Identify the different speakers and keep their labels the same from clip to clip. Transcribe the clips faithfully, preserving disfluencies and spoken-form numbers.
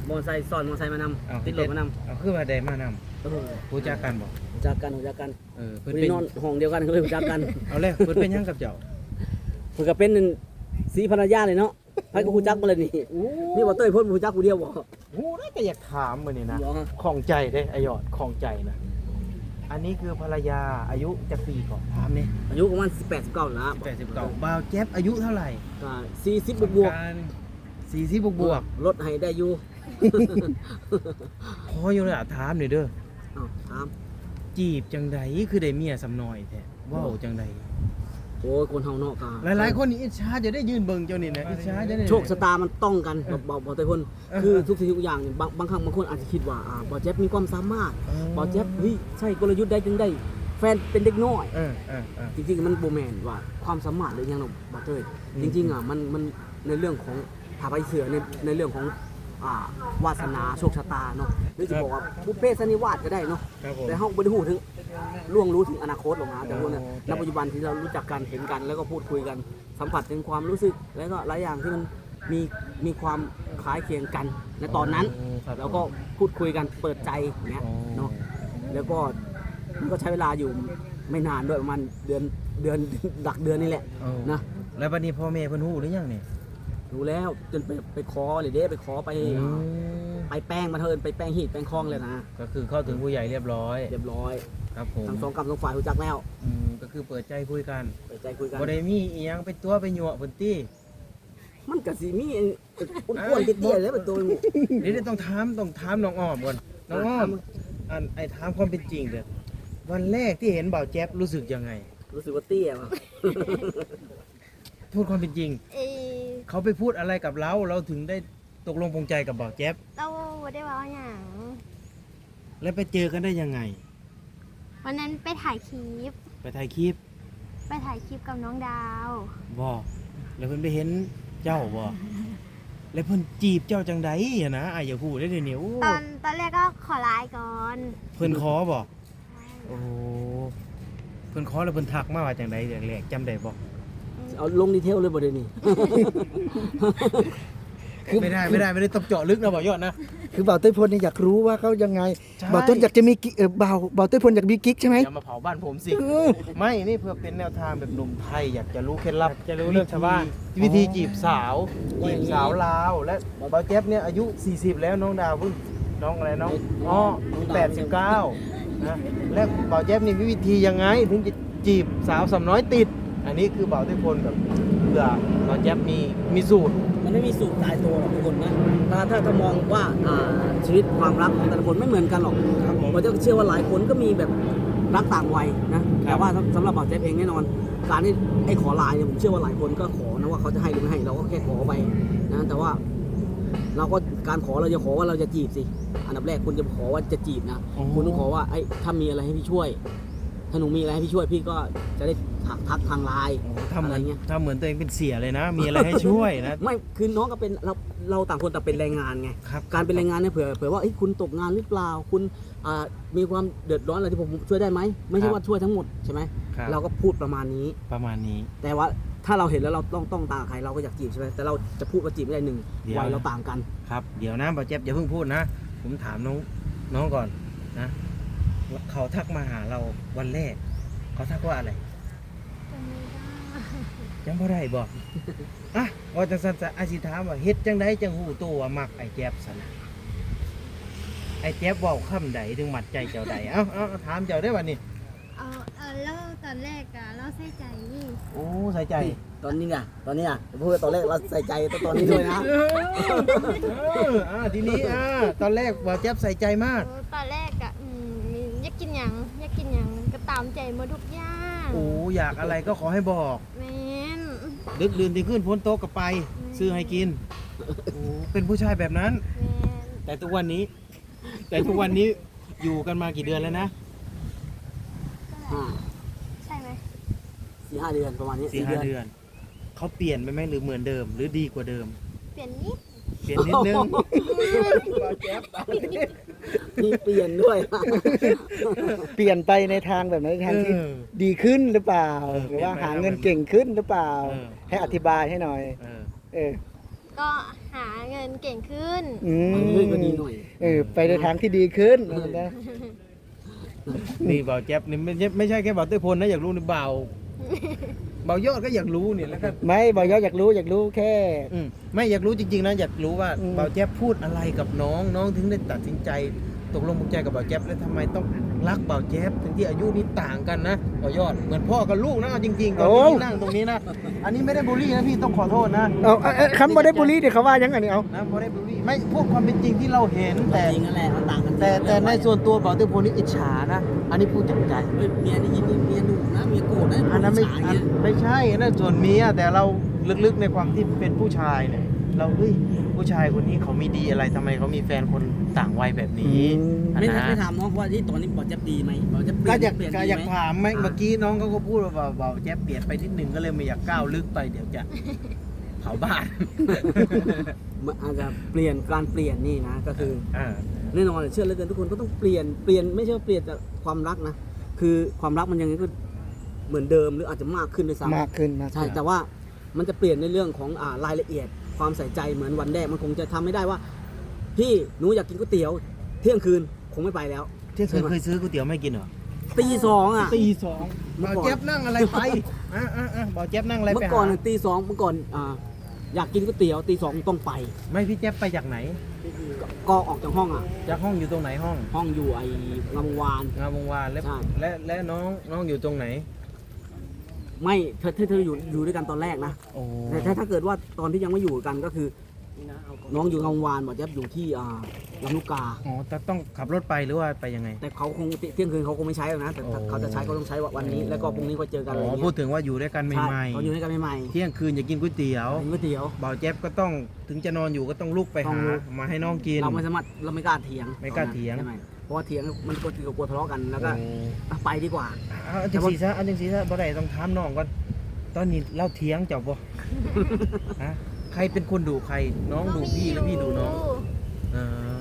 Speaker 1: มอไซค์ซ้อนมอไซค์มานำติดรถมานำ
Speaker 2: เอาคือว่าได้มานำ
Speaker 1: เออ
Speaker 2: รู้จักกันบ่
Speaker 1: รู้จักกันรู้จักกัน
Speaker 2: เออเพิ่น
Speaker 1: เพิ่น
Speaker 2: เป็น
Speaker 1: นอนห้องเดียวกันก็เลยรู้จักกัน
Speaker 2: เอาแล้วเพิ่นเป็นหยังกับเจ้า
Speaker 1: เพิ่นก็เป็นสีภรรยาเลยเนาะไผก็รู้จักมาเลยนี่นี่บ่เต้ยเพิ่นรู้จักผู้เดียวบ่
Speaker 2: โอ้ได้แต่อยากถามมื้อนี้นะ
Speaker 1: บ่ฮะ
Speaker 2: ของใจเด้ไอยอดของใจนะอันนี้คือภรรยาอายุจักปีก่อนถามนี่
Speaker 1: อายุประมาณสิบแปด สิบเก้าแล้ว
Speaker 2: แปดสิบเก้าบ่าวแจ๊บอายุเท่าไหร่
Speaker 1: ก็สี่สิบบวก
Speaker 2: สี่สิบบวก
Speaker 1: ๆลดให้ได้อยู่
Speaker 2: ๆพออยู่ล่ะถามหน่อยเด้อ
Speaker 1: อ้าวถาม
Speaker 2: จีบจังใดคือได้เมียสำน้อยแท้เว้าจังใด
Speaker 1: โอ้ยคนเฮาเนาะก็
Speaker 2: หลายๆคนนี่อิจฉาจะได้ยืนเบิ่งเจ้านี่นะอิจฉาจะได้
Speaker 1: โชคชะตามันต้องกันบ่บ่บ่เต้ยเพิ่นคือทุกสิ่งทุกอย่างเนี่ยบางบางครั้งบางคนอาจจะคิดว่าอ่าบ่แจ๊บมีความสามารถบ่แจ๊บเฮ้ยใช่กลยุทธ์ได้จังได้แฟนเป็นเด็กน้อย
Speaker 2: เออเออเออ
Speaker 1: จริงๆมันโบแมนว่าความสามารถหรือยังเนาะบอเตอร์
Speaker 2: อืม
Speaker 1: จริงๆอ่ะมันมันในเรื่องของถาไปเสือในในเรื่องของอ่าวาสนาโชคชะตาเนาะหรือจะบอกว่าบุพเพสันนิวาสก็ได้เนาะ
Speaker 2: ครับผม
Speaker 1: แต่ห้องบริหูถึงล่วงรู้ถึงอนาคตหรอกนะแต่ว่าเนี่ย
Speaker 2: โอ้
Speaker 1: ณปัจจุบันที่เรารู้จักกันเห็นกัน แล้วก็พูดคุยกันสัมผัสถึงความรู้สึกแล้วก็หลายอย่างที่มันมีมีความคล้ายเคียงกันในตอนนั้น
Speaker 2: โอ้ครับ
Speaker 1: แล้วก็พูดคุยกันเปิดใจอย่างเงี้ย
Speaker 2: โอ้
Speaker 1: เนาะแล้วก็มันก็ใช้เวลาอยู่ไม่นานด้วยประมาณเดือนเดือนหลักเดือนนี่แหละ
Speaker 2: โอ้
Speaker 1: นะ
Speaker 2: แล้วบัดนี้พ่อแม่เพิ่นฮู้หรือยังนี่
Speaker 1: รู้แล้วจนไปไปขอเลยเด้ไปขอไป
Speaker 2: อืม
Speaker 1: ไปแป้งมาเทินไปแป้งหีดแป้งคลองเลยนะ
Speaker 2: ก็คือเข้าถึงผู้ใหญ่เรียบร้อย
Speaker 1: เรียบร้อย
Speaker 2: ครับผม
Speaker 1: ทั้งสองกำสองฝ่ายรู้จักแล้ว
Speaker 2: อืมก็คือเปิดใจคุยกัน
Speaker 1: เปิดใจคุยกัน
Speaker 2: บ่ได้มีอีหยังเป็นตัวไปยั่วเพิ่นติ
Speaker 1: มันก็สิมีอ้วนๆเตี้ยๆแล้วเป็นตัว
Speaker 2: เดี๋ยวต้องถามต้องถามน้องอ้อมก่อนน้องอ้อมอันไอ้ถามความเป็นจริงเด้อวันแรกที่เห็นบ่าวแจ๊บรู้สึกยังไง
Speaker 1: รู้สึกว่าเตี้ยว่ะ
Speaker 2: พูดความเป็นจริง
Speaker 3: เออ
Speaker 2: เขาไปพูดอะไรกับเราเราถึงได้ตกลงปรงใจกับบ่าวแจ๊บ
Speaker 3: เราบ่ได้เว่าหยัง
Speaker 2: แล้วไปเจอกันได้ยังไง
Speaker 3: วันนั้นไปถ่ายคลิป
Speaker 2: ไปถ่ายคลิป
Speaker 3: ไปถ่ายคลิปกับน้องดาว
Speaker 2: บ่แล้วเพิ่นไปเห็นเจ้าบ่แล้วเพิ่นจีบเจ้าจังใดอะนะอ้ายอย่าพูดได้เดี๋ยวนี้โอ้
Speaker 3: ตอนตอนแรกก็ขอไลน์ก่อน
Speaker 2: เพิ่นขอบ่โอ้เพิ่นขอแล้วเพิ่นทักมาว่าจังใดแรกๆจำได้บ่
Speaker 1: เอาลงดีเทลเลยบ่เดี๋ยวนี้
Speaker 2: ไม่ได้ไม่ได้ไม่ได้ต้องเจาะลึกนะบ่ยอดนะ
Speaker 4: คือบ่าวเต้ยพลเนี่ยอยากรู้ว่าเขายังไง
Speaker 2: ใช่
Speaker 4: บ่าวต้นอยากจะมีกิ๊กเออบ่าวบ่าวเต้ยพลอยากมีกิ๊กใช่ไหม
Speaker 2: อย่ามาเผาบ้านผมสิ ไม่นี่เพื่อเป็นแนวทางแบบหนุ่มไทยอยากจะรู้เคล็ดลับ
Speaker 5: จะรู้เรื่องชาวบ้าน
Speaker 2: วิธีจีบสาวจีบสาวลาวและบ่าวแจ๊บเนี่ยอายุสี่สิบแล้วน้องดาวเพิ่งน้องอะไรน้องอ๋อแปดสิบเก้านะและบ่าวแจ๊บนี่มีวิธียังไงถึงจะจีบสาวสำน้อยติด อันนี้คือบ่าวเต้ยพลแบบเผื่อบ่าวแจ๊บมีมีสูตร
Speaker 1: มันไม่มีสูตรตายตัวหรอกทุกคนนะถ้าถ้าถ้ามองว่าอ่าชีวิตความรักของแต่ละคนไม่เหมือนกันหรอก
Speaker 2: ครับผม
Speaker 1: ผมจะเชื่อว่าหลายคนก็มีแบบรักต่างวัยนะแต่ว่าสำสำหรับบ่าวเจ๊เองแน่นอน การที่ไอ้ขอไลน์เนี่ยผมเชื่อว่าหลายคนก็ขอนะว่าเขาจะให้หรือไม่ให้เราก็แค่ขอไปนะแต่ว่า เราก็การขอเราจะขอว่าเราจะจีบสิอันดับแรกคุณจะขอว่าจะจีบนะ
Speaker 2: อ๋อ
Speaker 1: คุณต้องขอว่าไอ้ถ้ามีอะไรให้พี่ช่วย ถ้าหนูมีอะไรให้พี่ช่วยพี่ก็จะได้ทักทักทางไลน์
Speaker 2: ทำเห
Speaker 1: อะไร
Speaker 2: มือน
Speaker 1: เงี้ย
Speaker 2: ทำเหมือนตัวเองเป็นเสียเลยนะ มีอะไรให้ช่วยนะ
Speaker 1: ไม่คือน้องก็เป็นเราเราต่างคนต่างเป็นแรงงานไง
Speaker 2: ครับ
Speaker 1: การเป็นแรงงานเนี่ยเผื่อเผื่อว่าเอ้ยคุณตกงานหรือเปล่าคุณอ่ามีความเดือดร้อนอะไรที่ผมช่วยได้ไหมไม่ใช่ว่าช่วยทั้งหมดใช่ไหม
Speaker 2: ครับ
Speaker 1: เราก็พูดประมาณนี้
Speaker 2: ประมาณนี้
Speaker 1: แต่ว่าถ้าเราเห็นแล้วเราต้องต้องตามใครเราก็อยากจีบใช่ไหมแต่เราจะพูดว่าจีบไม่ได้หนึ่ง
Speaker 2: เดี๋ยว
Speaker 1: วัยเราต่างกัน
Speaker 2: ครับเดี๋ยวนะบ่าวเจ็บอย่าเพิ่งพูดนะ ผมถามน้องน้องก่อนนะเขาทักมาหาเราวันแรก เขาทักว่าอะไร
Speaker 3: จำไม่ได้
Speaker 2: ยังบ่ได้บอก อ่ะว่าจังซั่นซะอาสิถามว่าเฮ็ดจังไดจังฮู้ตัวว่ามักไอ้แจ๊บซั่นน่ะไอ้แจ๊บเว้าคำใดถึงมัดใจเจ้าใดเอ้าเอ้าถามเจ้าได้บัดนี้
Speaker 3: เออเออแล้วตอนแรกอะเราใส่ใจนี่
Speaker 2: โอ้ใส่ใจ
Speaker 1: ตอนนี้ไงตอนนี้อ่ะพูดว่าตอนแรกเราใส่ใจแต่ตอนนี้ด้วยนะ
Speaker 2: เอออ่าทีนี้อ่าตอนแรกบ่าวแจ๊บใส่ใจมาก
Speaker 3: เออตอนแรกอะอืมอยากกินหยังอยากกินหยังก็ตามใจหมาทุกอย่าง
Speaker 2: โอ้อยากอะไรก็ขอให้บอก
Speaker 3: แม่น
Speaker 2: ดึกดื่นที่ขึ้นพ้นโต๊ะก็ไป ซื้อให้กินโอ้เป็นผู้ชายแบบนั้น
Speaker 3: แม่น
Speaker 2: แต่ทุกวันนี้ แต่ทุกวันนี้อยู่กันมากี่เดือนแล้วนะ
Speaker 1: อ่า
Speaker 3: ใช่ไหม
Speaker 1: สี่ห้าเดือนประมาณนี้
Speaker 2: สี่ห้าเดือนเขาเปลี่ยนไปไหมหรือเหมือนเดิม หรือดีกว่าเดิม
Speaker 3: เปลี่ยนนิด
Speaker 2: เปลี่ยนนิดนึง
Speaker 1: มีเปลี่ยนด้วย
Speaker 4: เปลี่ยนไปในทางแบบไหนในทางที่
Speaker 2: เออ
Speaker 4: ดีขึ้นหรือเปล่า
Speaker 2: เออ
Speaker 4: หรือว่า
Speaker 2: เปลี่ยนไป
Speaker 4: หาเงินเก่งขึ้นหรือเปล่า
Speaker 2: เออ
Speaker 4: ให้อธิบายให้หน่อย
Speaker 2: เออ
Speaker 4: เออ
Speaker 3: ก็หาเงินเก่งขึ้น
Speaker 4: อืม
Speaker 1: เฮ้ยก็ดีหน่อย
Speaker 4: เออไปในทางที่ดีขึ้นนะ
Speaker 2: นี่เบาแจ๊บนี่ไม่ใช่ไม่ใช่แค่เบาเต้ยพลนะอยากรู้นี่เบาเบายอดก็อยากรู้เนี่ยแล้วก็
Speaker 4: ไม่บอกยอดอยากรู้อยากรู้แค่
Speaker 2: อืมไม่อยากรู้จริงๆนะอยากรู้ว่า
Speaker 4: อืม
Speaker 2: เบาแจ๊บพูดอะไรกับน้องน้องถึงได้ตัดสินใจตกลงปลงใจกับเบาแจ๊บแล้วทำไมต้องรักเบาแจ๊บถึงที่อายุนี่ต่างกันนะเบายอดเหมือนพ่อกับลูกนะเอาจริงๆตอนนี้นั่งตรงนี้นะอันนี้ไม่ได้บูลลี่นะพี่ต้องขอโทษนะ
Speaker 4: เอาเอาเอาคำบอได้บุรีเดี๋ยวเขาว่ายังไงนี่เอา
Speaker 2: นะไม่ได้บูลลี่ไม่พูดความเป็นจริงที่เราเห็นแต่
Speaker 1: จริงนั่นแหละมันต่างกัน
Speaker 2: แต่แต่ในส่วนตัวเบาเต้ยพลนี่อิจฉานะอันนี้พูดจากใจ
Speaker 1: เฮ้ยเมียได้ยินนี่เมียดุนะเมียโกรธนะ
Speaker 2: อันนั้นไม่
Speaker 1: ผู้ชาย
Speaker 2: อัน
Speaker 1: เงี้ย
Speaker 2: ไม่ใช่อันนั่นส่วนเมียแต่เราลึกๆในความที่เป็นผู้ชายเนี่ยเราเฮ้ยผู้ชายคนนี้เขามีดีอะไรทำไมเขามีแฟนคนต่างวัยแบบนี้อัน
Speaker 1: ไม่
Speaker 2: นะ
Speaker 1: ไม่ถามน้องว่าที่ตอนนี้บอลจะดีไหมบอลจะเปลี่
Speaker 2: ก็
Speaker 1: ยน
Speaker 2: อยาก
Speaker 1: เปลี่ยน
Speaker 2: ก็
Speaker 1: ดี
Speaker 2: อยาก
Speaker 1: ไหม
Speaker 2: ถามไหมเมื่อกี้น้องเขาก็พูดว่าเบาๆแจ๊บเปลี่ยนไปนิดนึงก็เลยไม่อยากก้าวลึกไปเดี๋ยวจะเผาบ้าน
Speaker 1: มันอาจจะเปลี่ยนการเปลี่ยนนี่นะก็คือ
Speaker 2: อ่า
Speaker 1: แน่นอนเชื่อเหลือเกินทุกคนก็ต้องเปลี่ยนเปลี่ยนไม่ใช่ว่าเปลี่ยนแต่ความรักนะคือความรักมันยังไงก็เหมือนเดิมหรืออาจจะมากขึ้นด้วยซ้ำ
Speaker 4: มากขึ้นมาก
Speaker 1: ใช่
Speaker 4: ขึ้น
Speaker 1: แต่ว่ามันจะเปลี่ยนในเรื่องของอ่ารายละเอียดความใส่ใจเหมือนวันแรกมันคงจะทำไม่ได้ว่า พี่หนูอยากกินก๋วยเตี๋ยวเที่ยงคืนคงไม่ไปแล้ว
Speaker 2: เที่ยงคืนเคยซื้อก๋วยเตี๋ยวไม่กินเหรอ
Speaker 1: ตีสองอ่ะ
Speaker 2: ตีสอง
Speaker 1: เมื่อ
Speaker 2: เบา
Speaker 1: ก่อน
Speaker 2: แจ๊บนั่งอะไรไปอ่ะอ่ะอ่ะเบาแจ๊บนั่งอะไร
Speaker 1: เมื่
Speaker 2: ไป
Speaker 1: อก่อน
Speaker 2: หา
Speaker 1: น่ะตีสองเมื่อก่อนอ่าอยากกินก๋วยเตี๋ยวตีสองต้องไป
Speaker 2: ไม่พี่แจ๊บไปจากไหน
Speaker 1: ก็ก็ออกจากห้องอ่ะ
Speaker 2: จากห้องอยู่ตรงไหนห้อง
Speaker 1: ห้องอยู่ไอ้งามวงวาน
Speaker 2: งามวงวานและ
Speaker 1: ใช่
Speaker 2: และและน้องน้องอยู่ตรงไหน
Speaker 1: ไม่เธอเธอเธออยู่อยู่ด้วยกันตอนแรกนะ
Speaker 2: โอ้
Speaker 1: แต่ถ้าถ้าเกิดว่าตอนที่ยังไม่อยู่กันก็คือ น้องอยู่งามวงวานหมอแจ๊บอยู่ที่อ่าลำลูกกา
Speaker 2: อ๋อแต่ต้องขับรถไปหรือว่าไปยังไง
Speaker 1: แต่เขาคงเที่ยงคืนเขาคงไม่ใช้หรอกนะแต่ถ้า
Speaker 2: โอ้
Speaker 1: เขาจะใช้ก็ต้องใช้วันนี้ แล้วก็พรุ่งนี้ก็เจอกันอะไร
Speaker 2: อ๋อ
Speaker 1: เงี้ย
Speaker 2: พูดถึงว่าอยู่ด้วยกันให
Speaker 1: ใช่
Speaker 2: ม่
Speaker 1: เขาอยู่ด้วยกันใหม่
Speaker 2: ๆเที่ยงคืนอยากกินก๋วยเตี๋ยว
Speaker 1: ๆกินก๋วยเตี๋ยว
Speaker 2: บ่าวแจ๊บก็ต้องถึงจะนอนอยู่ก็ต้องลุกไป
Speaker 1: ต้อ
Speaker 2: หาง
Speaker 1: ลุก
Speaker 2: มาให้น้องกิน
Speaker 1: เราไม่สามารถเราไม่กล้าเถียง
Speaker 2: ไม่กล้าเถียง
Speaker 1: ใช่ไหมเพราะว่าเถียงมันก็กลัวทะเลาะกันแล้วก็
Speaker 2: โอ้
Speaker 1: อ่ะไปดีกว่า
Speaker 2: เอาอันจังสีซะอันจังสีซะบ่ได้ต้องถามน้องก่อนตอนนี้เล่าเถียงเจ้าบ่ ฮะใครเป็นคนดูใครน้องดูพี่หรือพี่ดูน้องอ่า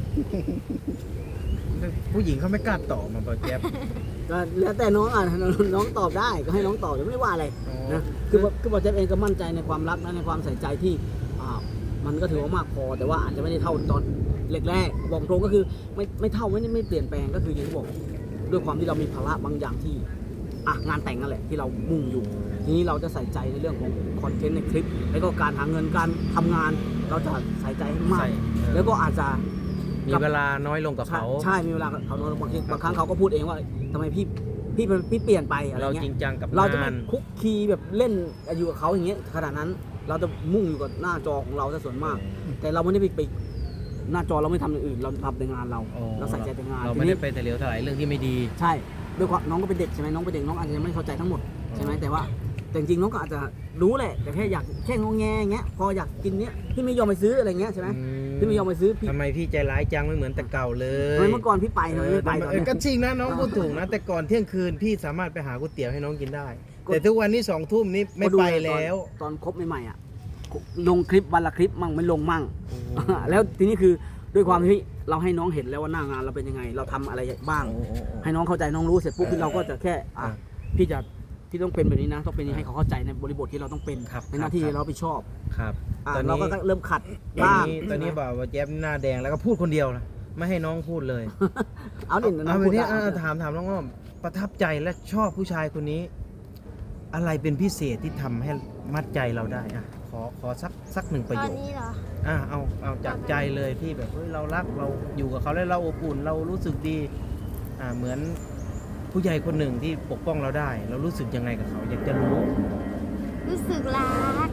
Speaker 2: ผู้หญิงเขาไม่กล้าตอบมาบ่าวแจ๊บ
Speaker 1: ก็แล้วแต่น้องอ่ะ น้องตอบได้ก็ให้น้องตอบไม่ได้ว่าอะไร
Speaker 2: อ๋อ
Speaker 1: นะคือคือบอกเจ๊เองก็มั่นใจในความรักและในความใส่ใจที่อ่ามันก็ถือว่ามากพอแต่ว่าอาจจะไม่ได้เท่าตอนแรกๆบอกตรงก็คือไม่ไม่เท่าไม่ได้ไม่เปลี่ยนแปลงก็คืออย่างที่บอกด้วยความที่เรามีภาระบางอย่างที่อ่ะงานแต่งนั่นแหละที่เรามุ่งอยู่ ทีนี้เราจะใส่ใจในเรื่องของคอนเทนต์ในคลิป แล้วก็การหาเงินการทำงาน เราจะใส่ใจให้มาก
Speaker 2: ใส่เออ
Speaker 1: แล้วก็อาจจะ
Speaker 2: มีเวลาน้อยลงกับ
Speaker 1: ใช่
Speaker 2: เขา
Speaker 1: ใช่มีเวลากับเขาน้อยบางทีบางครั้งเขาก็พูดเองว่าทำไมพี่พี่พี่เปลี่ยนไปอะไร
Speaker 2: เรา
Speaker 1: เงี้ย
Speaker 2: จริงจังกับ
Speaker 1: เราจะ
Speaker 2: งา
Speaker 1: ไม่
Speaker 2: น
Speaker 1: คุกคีแบบเล่นอยู่กับเขาอย่างเงี้ยขนาดนั้น เราจะมุ่งอยู่กับหน้าจอของเราซะส่วนมาก แต่เราไม่ได้ไปไปหน้าจอเราไม่ทำอย่างอื่น เราทำแต่งานเรา
Speaker 2: อ๋อ
Speaker 1: เราใส่ใจแต่งาน
Speaker 2: เรา
Speaker 1: ที
Speaker 2: ไม่
Speaker 1: นี้
Speaker 2: ได้ไปแต่เหลียวถลายเรื่องที่ไม่ดี
Speaker 1: ใช่ด้วยความน้องก็เป็นเด็กใช่ไหมน้องเป็นเด็กน้องอาจจะยังไม่เข้าใจทั้งหมดใช่ไหมแต่ว่าแต่จริงๆน้องก็อาจจะรู้แหละ แต่แค่อยากแค่งงแงอย่างเงี้ยพออยากกินเนี้ยพี่ไม่ยอมไปซื้ออะไรเงี้ยใช่ไหมพี่ไม่ยอมไปซื้อพี่
Speaker 2: ทำไมพี่ใจร้ายจังไม่เหมือนแต่เก่าเล
Speaker 1: ทำ
Speaker 2: ย
Speaker 1: ไมเมื่อก่อนพี่ไปทำไมไม่ไปตอน
Speaker 2: เออ
Speaker 1: เนี้ย
Speaker 2: ก็จริงนะน้องพูดถูกนะ แต่ก่อนเที่ยงคืนพี่สามารถไปหาก๋วยเตี๋ยวให้น้องกินได้ แต่ทุกวันนี้สองทุ่มนี้ไม่ไปแล้ว
Speaker 1: ตอนคบใหม่ๆอ่ะลงคลิปวันละคลิปมั่งไม่ลงมั่ง แล้วทีนี้คือด้วยความที่เราให้น้องเห็นแล้วว่าหน้างานเราเป็นยังไง เราทำอะไรบ้าง ให้น้องเข้าใจน้องรู้เสร็จปุ๊บที่เราก็จะแค่อ่ะพี่จะที่ต้องเป็นแบบนี้นะต้องเป็นอย่างนี้ให้เขาเข้าใจในบริบทที่เราต้องเป็น
Speaker 2: ครับ
Speaker 1: ในหน้าที่
Speaker 2: ครับ
Speaker 1: เรารับผิดชอบ
Speaker 2: ครับ
Speaker 1: อ่ะ
Speaker 2: ตอน
Speaker 1: เรา
Speaker 2: นี้
Speaker 1: ก็เริ่มขัด
Speaker 2: ตอน
Speaker 1: บ้าง
Speaker 2: นี้ตอนนี้บอกว่าแจ๊บหน้าแดงแล้วก็พูดคนเดียวนะไม่ให้น้องพูดเลย
Speaker 1: เอาดิ
Speaker 2: เอา
Speaker 1: พู
Speaker 2: ไป
Speaker 1: ด
Speaker 2: นี้
Speaker 1: ได้
Speaker 2: ถามถามน้องว่าประทับใจและชอบผู้ชายคนนี้ อะไรเป็นพิเศษที่ทำให้มัดใจเราได้อ่ะขอขอสักสักหนึ่งประ
Speaker 3: ต
Speaker 2: โย
Speaker 3: อน
Speaker 2: ค
Speaker 3: นี้เหรอ
Speaker 2: อ่ะเอาเอาจากใจเลยที่แบบเฮ้ยเรารักเราอยู่กับเขาแล้วเราอบอุ่นเรารู้สึกดีอ่าเหมือนผู้ใหญ่คนหนึ่งที่ปกป้องเราได้ เรารู้สึกยังไงกับเขาอยากจะรู้
Speaker 3: รู้สึกรัก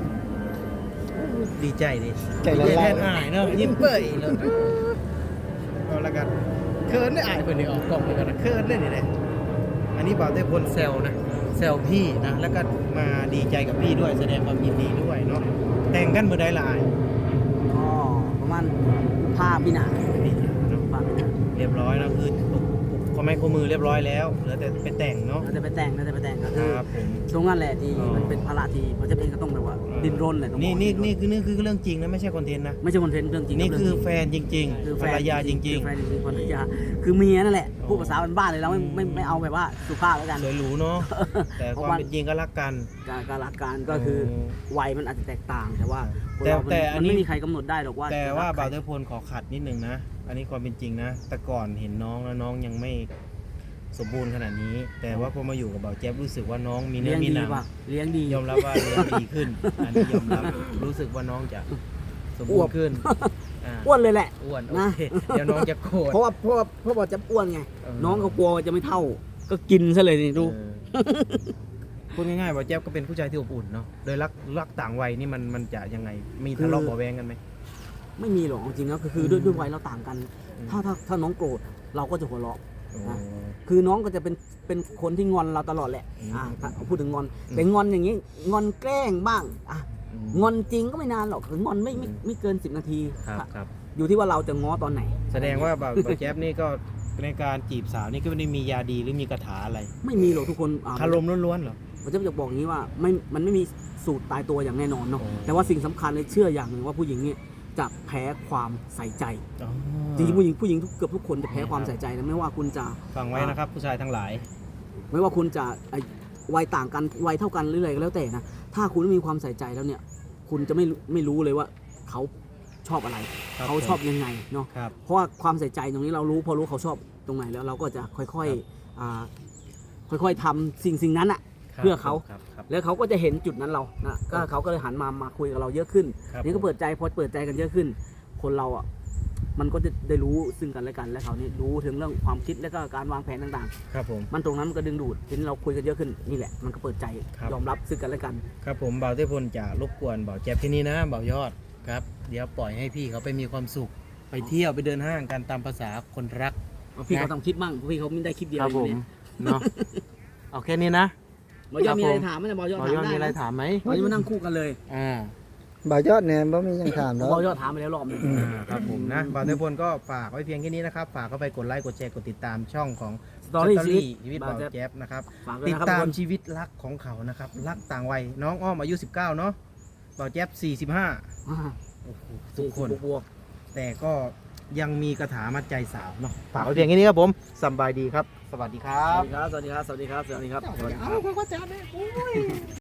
Speaker 2: ดีใจดิ
Speaker 4: ใจละ
Speaker 2: ดี
Speaker 4: ลาย
Speaker 2: แทนอายเนอะยิ้มเปื่อยเลยเอาละกันเคิร์นได้อายเพื่อนนี่ออกกล้องเลยกันนะเคิร์นได้นี่เลยอันนี้บ่าวได้พลแซวนะแซวพี่นะแล้วก็มาดีใจกับพี่ด้วยแสดงความยินดีด้วยเนาะแต่งกันเมื่อใดละอาย
Speaker 1: ก็ประมาณผ้าพี่หนา
Speaker 2: นี่เนาะ
Speaker 1: ผ้าพี่หนา
Speaker 2: เรียบร้อยแล้วคือปลุกปลุกข้อไม้ข้อมือเรียบร้อยแล้วเหลือแต่ไปแต่งเนาะ
Speaker 1: เราจะไปแต่งเราจะไปแต่งก็
Speaker 2: ค
Speaker 1: คือ
Speaker 2: รับผม
Speaker 1: ตรงนั้นแหละที่
Speaker 2: อ๋อ
Speaker 1: มันเป็นภาระที่เราจะเองก็ต้องแบบว่าดิ้นรนแหละต้องบ
Speaker 2: นี่
Speaker 1: อก
Speaker 2: นี่
Speaker 1: ดิ้ร
Speaker 2: นี่คือนี่คือเรื่องจริงนะไม่ใช่คอนเทนต์นะ
Speaker 1: ไม่ใช่คอนเทนต์เรื่องจริง
Speaker 2: นี่คือ
Speaker 1: เรื่งจริง
Speaker 2: แฟนจริง
Speaker 1: คือ
Speaker 2: ๆ
Speaker 1: แฟ
Speaker 2: ภร
Speaker 1: น
Speaker 2: รยาจริง
Speaker 1: คือแฟนจริงๆภรรยาคือเมียนั่นแหละพูดภาษาบ้านๆเลยเราไม่ไม่ไม่เอาแบบว่าสุภาพแล้วกัน
Speaker 2: ๆสวยหรูเนาะแต่
Speaker 1: เพ
Speaker 2: ค
Speaker 1: ราะ
Speaker 2: วาม
Speaker 1: ว่า
Speaker 2: เป็นจริงก็รักกัน
Speaker 1: การการรักการก็คือวัยมันอาจจะแตกต่าง แต่ว่าคน
Speaker 2: แต่
Speaker 1: เรามัน
Speaker 2: แต่อันนี้
Speaker 1: มันไม่มีใครกำหนดได้หรอกว่า
Speaker 2: แต่ว่า
Speaker 1: จะรักใคร
Speaker 2: บ่าวเทพลขอขัดนิดนึงนะ อันนี้ความเป็นจริงนะ แต่ก่อนเห็นน้องแล้วน้องยังไม่สมบูรณ์ขนาดนี้ แต่ว่าพอมาอยู่กับบ่าวแจ๊บรู้สึกว่าน้องมีเนื้
Speaker 1: เลี้ย
Speaker 2: อง มี
Speaker 1: ดี
Speaker 2: หนัง
Speaker 1: ป่ะเลี้ยงดี
Speaker 2: ยอมรับว่าเลี้ยงดีขึ้น อันนี้ยอมรับ รู้สึกว่าน้องจะสมบูรณ์ขึ้นอ่า
Speaker 1: อ้วนเลยแหละ
Speaker 2: อ้วนโอ
Speaker 1: นะ
Speaker 2: เคเดี๋ยวน้องจะโกรธ
Speaker 1: เพราะว่าเพราะว่าเพราะว่าจะอ้วนไง
Speaker 2: เออ
Speaker 1: น้องก็กลัวว่าจะไม่เท่า ก็กินซะเลยนี่ดู
Speaker 2: เออพูดง่ายๆบ่าวแจ๊บก็เป็นผู้ชายที่อบอุ่นเนาะ โดยรักรักต่างวัยนี่มันมันจะยังไง มีทะเลาะเบาะแวงกันไหม
Speaker 1: ไม่มีหรอกจริงๆแล้วก็คือด้วยด้วยวัยเราต่างกัน ถ้าถ้าถ้าน้องโกรธเราก็จะหัวเราะ
Speaker 2: โอ้
Speaker 1: นะ คือน้องก็จะเป็นเป็นคนที่งอนเราตลอดแหละ
Speaker 2: อืม
Speaker 1: อ่าถ้าพูดถึงงอน
Speaker 2: อืม
Speaker 1: แต่งอนอย่างนี้งอนแกล้งบ้างอ่ะ
Speaker 2: อืม
Speaker 1: งอนจริงก็ไม่นานหรอกงอนไม่ไม่
Speaker 2: อืม
Speaker 1: ไม่เกินสิบนาที
Speaker 2: ครับครับ
Speaker 1: อยู่ที่ว่าเราจะง้อตอนไหน
Speaker 2: แสดงว่าบ่าวบ่าวแจ๊บนี่ก็ในการจีบสาวนี่ก็ไม่ได้มียาดีหรือมีคาถาอะไร
Speaker 1: ไม่มีหรอกทุกคนอ่า
Speaker 2: คารมล้วนๆเหรอ
Speaker 1: ผมจะบอกอย่างนี้ว่าไม่มันไม่มีสูตรตายตัวอย่างแน่นอนเนาะ
Speaker 2: โอ้
Speaker 1: แต่ว่าสิ่งสำคัญเลยเชื่ออย่างหนึ่งว่าผู้หญิงเนี่ยจะแพ้ความใส่ใจ
Speaker 2: อ๋อ
Speaker 1: จริงๆผู้หญิงผู้หญิงทุกเกือบทุกคนจะแพ้ความใส่ใจนะไม่ว่าคุณจะ
Speaker 2: ฟังไว้นะครับ ผู้ชายทั้งหลาย
Speaker 1: ไม่ว่าคุณจะไอ้วัยต่างกันวัยเท่ากันหรืออะไรก็แล้วแต่นะถ้าคุณไม่มีความใส่ใจแล้วเนี่ย คุณจะไม่ไม่รู้เลยว่าเขาชอบอะไร
Speaker 2: ครับ
Speaker 1: เขาชอบยังไงเนาะ
Speaker 2: ครับ
Speaker 1: เพราะว่าความใส่ใจตรงนี้เรารู้พอรู้เขาชอบตรงไหนแล้วเราก็จะค่อย
Speaker 2: ครับ
Speaker 1: ๆอ่าค่อยๆทำสิ่งสิ่งนั้นอะ
Speaker 2: ครับ
Speaker 1: เพื่อเขา
Speaker 2: ครับครับ
Speaker 1: แล้วเขาก็จะเห็นจุดนั้นเรานะก็เขาก็เลยหันมามาคุยกับเราเยอะขึ้น
Speaker 2: ครับ
Speaker 1: นี่ก็เปิดใจพอเปิดใจกันเยอะขึ้น คนเราอ่ะมันก็จะได้รู้ซึ่งกันและกันและเขานี่รู้ถึงเรื่องความคิดและก็การวางแผนต่าง
Speaker 2: ครับผม
Speaker 1: ๆ มันตรงนั้นมันก็ดึงดูดทีนี้เราคุยกันเยอะขึ้นนี่แหละมันก็เปิดใจ
Speaker 2: ครับ
Speaker 1: ยอมรับซึ่งกันและกัน
Speaker 2: ครับผมบ่าวเทพลจะรบกวนบ่าวแจ๊บที่นี่นะบ่าวยอดครับ เดี๋ยวปล่อยให้พี่เขาไปมีความสุข ไปเที่ยวไปเดินห้างกันตามภาษาคนรัก
Speaker 1: พี่
Speaker 2: นะ
Speaker 1: เขาต้องคิดบ้างพี่เขาไม่ได้คลิปเดียว
Speaker 2: ครับ
Speaker 1: อ
Speaker 2: ผ
Speaker 1: ยู่
Speaker 2: ม
Speaker 1: เนี่ย
Speaker 2: เนาะเอาแค่นี้นะ
Speaker 1: บอยอดมีอะไร
Speaker 2: ครับผม
Speaker 1: ถามไหมเนี่ยบอยอด
Speaker 2: บ่า
Speaker 1: ถาว
Speaker 2: ยอด
Speaker 1: มได้
Speaker 2: มีอะไร
Speaker 1: นะ
Speaker 2: ถามไหม
Speaker 1: เราจะมานั่งคู่กันเลย
Speaker 2: อ่า
Speaker 4: บ่าวยอดเนี่ยบ่มีหยังถามแล้ว
Speaker 1: บอยอดถามไปแล้วรอบหนึง
Speaker 2: อ่าครับผมนะบ่าวเทพลก็ฝากไว้เพียงแค่นี้นะครับ ฝากเข้าไปกดไลค์กดแชร์กดติดตามช่องของ
Speaker 1: สตอรี่ชีวิต
Speaker 2: ชีวิตบ่าวแจ๊บนะครับ
Speaker 1: ฝากด้วย
Speaker 2: ติด
Speaker 1: นะครับ
Speaker 2: ตาม
Speaker 1: ทุกคน
Speaker 2: ชีวิตรักของเขานะครับ รักต่างวัยน้องอ้อมอายุสิบเก้าเนาะบ่าวแจ๊บสี่สิบห้า
Speaker 1: อ่า
Speaker 2: โอ้โหทุกคน
Speaker 1: บวก
Speaker 2: แต่ก็ยังมีคาถามัดใจสาวเนาะฝากไว้เพียงแค่นี้ครับผมสำบายดีครับ สวัสดีค
Speaker 1: ๆ
Speaker 2: รั
Speaker 1: ส
Speaker 2: บ
Speaker 1: วัสดีครับสวัสดีครับสวัสดีครับสวัสดีครับสวัสดีครับ
Speaker 2: เอาก็จะได้